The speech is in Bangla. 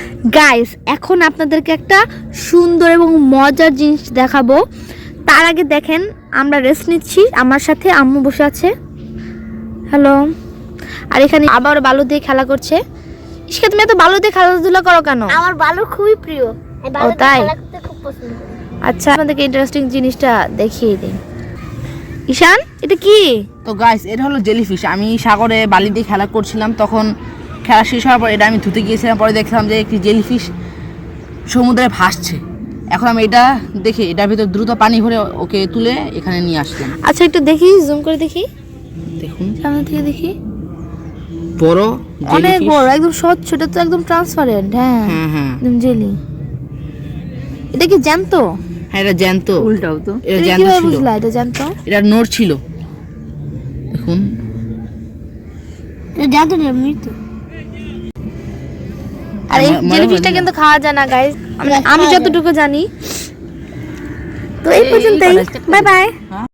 গাইস এখন আপনাদেরকে একটা সুন্দর এবং মজার জিনিস দেখাবো। তার আগে দেখেন আমরা রেস্ট নিচ্ছি, আমার সাথে আম্মু বসে আছে। হ্যালো। আর এখানে আবার বালু দিয়ে খেলা করছে। ইশকা, তুমি এত বালু দিয়ে খেলাধুলা করো কেন? আমার বালু খুবই প্রিয়, আমি বালু দিয়ে তাই? খেলা করতে খুব পছন্দ করি। আচ্ছা, আপনাদেরকে ইন্টারেস্টিং জিনিসটা দেখিয়ে দিই। ঈশান, এটা কি? তো গাইস, এটা হলো জেলিফিশ। আমি সাগরে বালি দিয়ে খেলা করছিলাম, তখন খেলা শেষ হওয়ার পর এটা আমি ধুতে গিয়েছিলাম, পরে দেখলাম যে একটি জেলিফিশ সমুদ্রে ভাসছে। এখন আমি এটা দেখে এটার ভিতর দ্রুত পানি ভরে ওকে তুলে এখানে নিয়ে আসলাম। আচ্ছা, একটু দেখি, জুম করে দেখি, দেখুন, সামনে থেকে দেখি। বড় অনেক জেলিফিশ। বড়, একদম স্বচ্ছ, এটা তো একদম ট্রান্সপারেন্ট। হ্যাঁ হ্যাঁ হ্যাঁ একদম জেলি। এটা কি জ্যান্ত? হ্যাঁ, এটা জ্যান্ত। উল্টাও তো। এটা তুমি জ্যান্ত কিভাবে ছিল, বুঝলা এটা জ্যান্ত? এটা নড় ছিল। দেখুন, এটা জানতো না মৃত। আর এই মনে জেলিফিশটা হয় না। কিন্তু খাওয়া যায় না গাইস, আমি যতটুকু জানি। তো এই পর্যন্তই, বাই বাই।